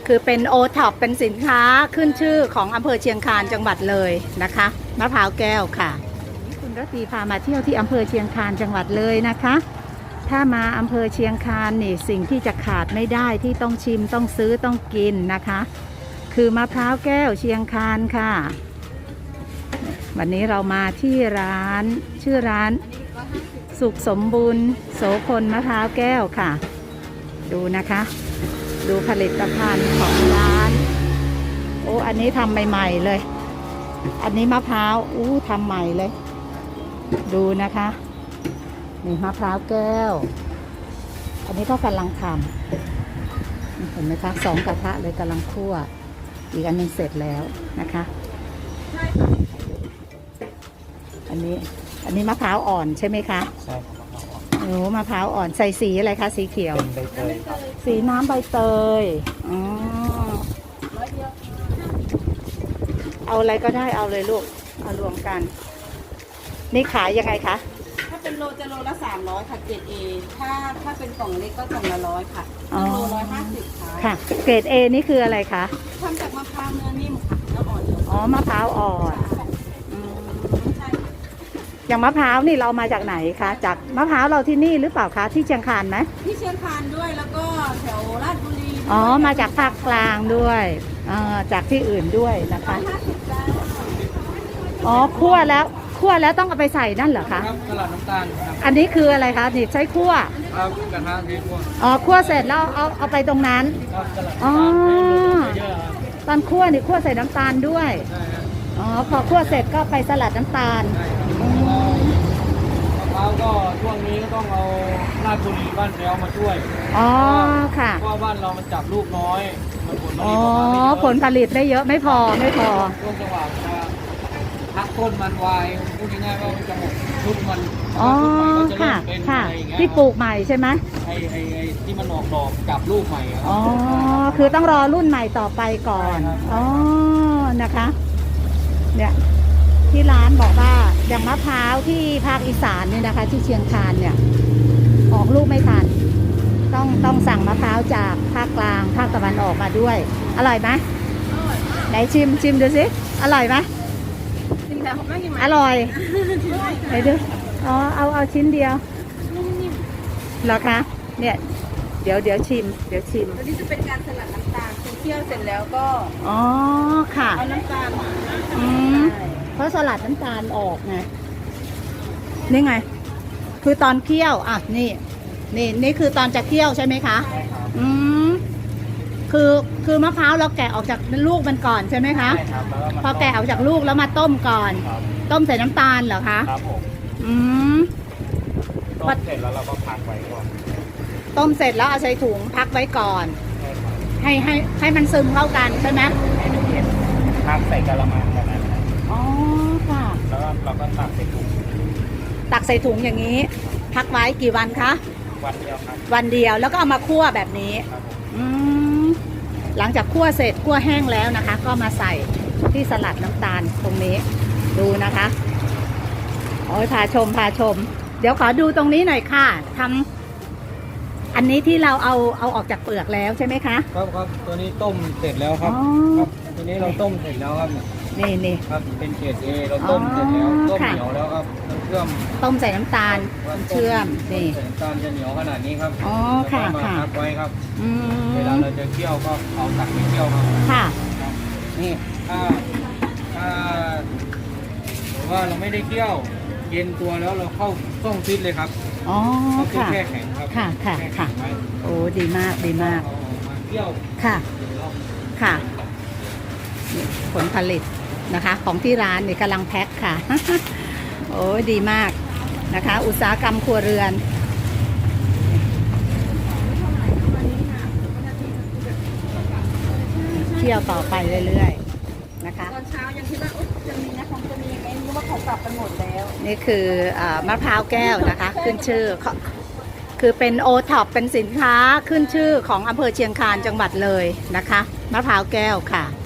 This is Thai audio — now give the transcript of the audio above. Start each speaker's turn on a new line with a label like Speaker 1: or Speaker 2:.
Speaker 1: คือเป็นโอท็อปเป็นสินค้าขึ้นชื่อของอำเภอเชียงคานจังหวัดเลยนะคะมะพร้าวแก้วค่ะคุณรัตรีพามาเที่ยวที่อำเภอเชียงคานจังหวัดเลยนะคะถ้ามาอำเภอเชียงคานนี่สิ่งที่จะขาดไม่ได้ที่ต้องชิมต้องซื้อต้องกินนะคะคือมะพร้าวแก้วเชียงคานค่ะวันนี้เรามาที่ร้านชื่อร้านสุขสมบูรณ์โสพลมะพร้าวแก้วค่ะดูนะคะดูผลิตภัณฑ์ของร้านโอ้อันนี้ทำใหม่ๆเลยอันนี้มะพร้าวทำใหม่เลยดูนะคะนี่มะพร้าวแก้วอันนี้ก็กำลังทำเห็นไหมคะ2 กระทะเลยกำลังคั่วอีกอันนึงเสร็จแล้วนะคะอันนี้มะพร้าวอ่อนใช่ไหมคะ
Speaker 2: ใช่ครับ
Speaker 1: โอ้มะพร้าวอ่อนใส่สีอะไรคะสีเขียว
Speaker 2: เป็นใบเตยครับ
Speaker 1: สีน้ำใบเตยอ๋อเอาอะไรก็ได้เอาเลยลูกเอารวมกันนี่ขายยังไงคะ
Speaker 3: ถ้าเป็นโลจะโลละ300ค่ะเกรด A ถ้าเป็นกล่องเล็กก็กล่องละ100ค่ะโล150ค่ะ
Speaker 1: ค่ะเกรด A นี่คืออะไรคะ
Speaker 3: ทำจากมะพร้าวเนื้อนิ่มค่ะเนื้ออ่อน
Speaker 1: อ๋อมะพร้าวอ่อนอย่างมะพร้าวนี่เรามาจากไหนคะจากมะพร้าวเราที่นี่หรือเปล่าคะที่เชียงคานไหม
Speaker 3: ที่เชียงคานด้วยแล้วก็แถวราชบุรี
Speaker 1: อ๋อมาจากภาคกลางด้วยจากที่อื่นด้วยนะคะอ๋อคั่วแล้วต้องเอาไปใส่นั่นเหรอคะ
Speaker 2: ครับสลัดน้ำตาลครับ
Speaker 1: อันนี้คืออะไรคะนี่ใช้คั่ว
Speaker 2: ครับกระทะที่คั่ว
Speaker 1: อ๋อคั่วเสร็จแล้วเอาไปตรงนั้น
Speaker 2: ครับสลัด
Speaker 1: อ๋อ
Speaker 2: เยอะ
Speaker 1: ตอนคั่วนี่คั่วใส่น้ำตาลด้วยอ๋อพอคั่วเสร็จก็ไปสลัดน้ำตาล
Speaker 2: มะพร้าวก็ช่วงนี้ก็ต้องเอาราชบุรีบ้านแพ้วมาช่วย
Speaker 1: อ๋อค่ะ
Speaker 2: เพราะบ้านเรามันจับลูกน้อยมัน
Speaker 1: ผลผลิตได้เยอะไม่พอ
Speaker 2: ช่วงจังหวะพักต้นมันวายพูดง่ายๆว่ามันจะหมดชุดมัน
Speaker 1: ค่ะค่ะที่ปลูกใหม่ใช่ไหม
Speaker 2: ไอ้ที่มันออกดอกจับลูกใหม่
Speaker 1: อ๋อคือต้องรอรุ่นใหม่ต่อไปก่อนอ๋อนะคะเนี่ยที่ร้านบอกว่าอย่างมะพร้าวที่ภาคอีสานเนี่ยนะคะที่เชียงคานเนี่ยออกลูกไม่ทันต้องสั่งมะพร้าวจากภาคกลางภาคตะวันออกมาด้วยอร่อยไหมไหนชิมดูสิอร่อยไหมอร่อยไหนดูอ๋อเอาชิ้นเดียวเหรอคะเนี่ยเดี๋ยวชิม
Speaker 3: อันนี้จะเป็นการสลัดน้ำตาลเคี่ยวเสร็จแล้วก็
Speaker 1: อ๋อค่ะ
Speaker 3: เอาน้ำตาล
Speaker 1: เพราะสลัดน้ำตาลออกไงนี่ไงคือตอนเคี่ยวอ่ะนี่คือตอนจะเคี่ยวใช่ไหมคะคือมะพร้าวเราแกะออกจากลูกมันก่อนใช่ไหมคะพอแกะออกจากลูกแล้วมาต้มก่อนต้มใส่น้ำตาลเหรอคะ
Speaker 2: ครับผมต้มเสร็จแล้วเราก็พักไว้ก่อน
Speaker 1: ต้มเสร็จแล้วเอาใส่ถุงพักไว้ก่อนให้มันซึมเข้ากันใช่ไหม
Speaker 2: พักใส่กะละมังแบบนั้น
Speaker 1: อ๋อค่ะ
Speaker 2: แล้วเราก็ตักใส่ถุง
Speaker 1: อย่างนี้พักไว้กี่วันคะ
Speaker 2: วันเดียวครับ
Speaker 1: วันเดียวแล้วก็เอามาคั่วแบบนี้หลังจากคั่วเสร็จคั่วแห้งแล้วนะคะ ก็มาใส่ที่สลัดน้ำตาลตรงนี้ดูนะคะโอ้ยพาชมเดี๋ยวขอดูตรงนี้หน่อยค่ะทำอันนี้ที่เราเอาออกจากเปลือกแล้วใช่ไหมคะ
Speaker 2: ครับตัวนี้ต้มเสร็จแล้วครับตัวนี้เราต้มเสร็จแล้วครับ
Speaker 1: นี่
Speaker 2: ครับเป็นเกรด A เราต้มเสร็จแล้วต้มเหนียวแล้วครับเชื่อม
Speaker 1: ต้มใส่น้ำตาลเชื่อมนี่
Speaker 2: น้ำตาลจะเหนียวขนาดนี้ครับ
Speaker 1: อ๋อค่ะ
Speaker 2: มาพักไว้ครับเวลาเราจะเคี่ยวก็เอาตักไปเคี่ยวครับ
Speaker 1: ค่ะ
Speaker 2: นี่ถ้าว่าเราไม่ได้เคี่ยวเย็นตัวแล้วเราเข้าต้มฟิตเลยครับ
Speaker 1: อ๋อค่ะ
Speaker 2: แช่แข็งครับ
Speaker 1: ค่ะโอ้ดีมาก
Speaker 2: เคี่ยว
Speaker 1: ค่ะผลผลิตนะคะของที่ร้านนี่กำลังแพ็คค่ะโอ้ดีมากนะคะอุตสาหกรรมครัวเรือนเที่ยวต่อไปเรื่อยๆนะคะ
Speaker 3: ตอนเช้ายังคิดว่าจะมีนะของจะมีไหมรู้ว่าเขากลับกันหมดแล้ว
Speaker 1: นี่คือมะพร้าวแก้วนะคะขึ้นชื่อคือเป็นโอท็อปเป็นสินค้าขึ้นชื่อของอำเภอเชียงคานจังหวัดเลยนะคะมะพร้าวแก้วค่ะ